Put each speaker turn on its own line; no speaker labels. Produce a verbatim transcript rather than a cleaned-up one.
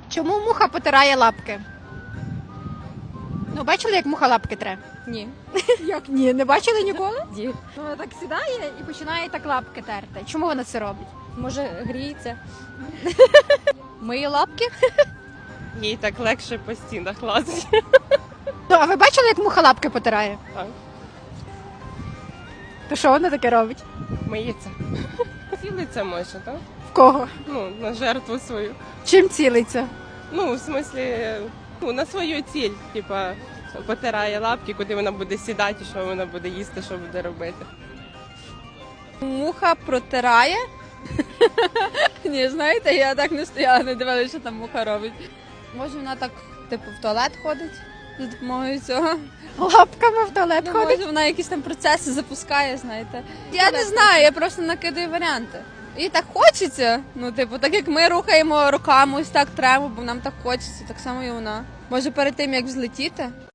Чому муха потирає лапки? Ну, бачили, як муха лапки тре?
Ні.
Як ні? Не бачили ніколи?
Ді.
Ну, вона так сідає і починає так лапки терти. Чому вона це робить?
Може, гріється?
Миє лапки?
Їй так легше по стінах лазить.
Ну, а ви бачили, як муха лапки потирає?
Так.
То що вона таке робить?
Миється. Цілиться може, так?
В кого?
Ну, на жертву свою.
Чим цілиться?
Ну, в смислі, ну, на свою ціль, типа, потирає лапки, куди вона буде сідати, що вона буде їсти, що буде робити.
Муха протирає? Ні, знаєте, я так не стояла, не дивилася, що там муха робить. Може, вона так, типу, в туалет ходить за допомогою цього?
Лапками в туалет
Ну,
ходить?
може, вона якісь там процеси запускає, знаєте. Я не знаю, я просто накидаю варіанти. І так хочеться. Ну, типу, так як ми рухаємо руками, ось так тремо, бо нам так хочеться, так само і вона. Може, перед тим, як взлетіти,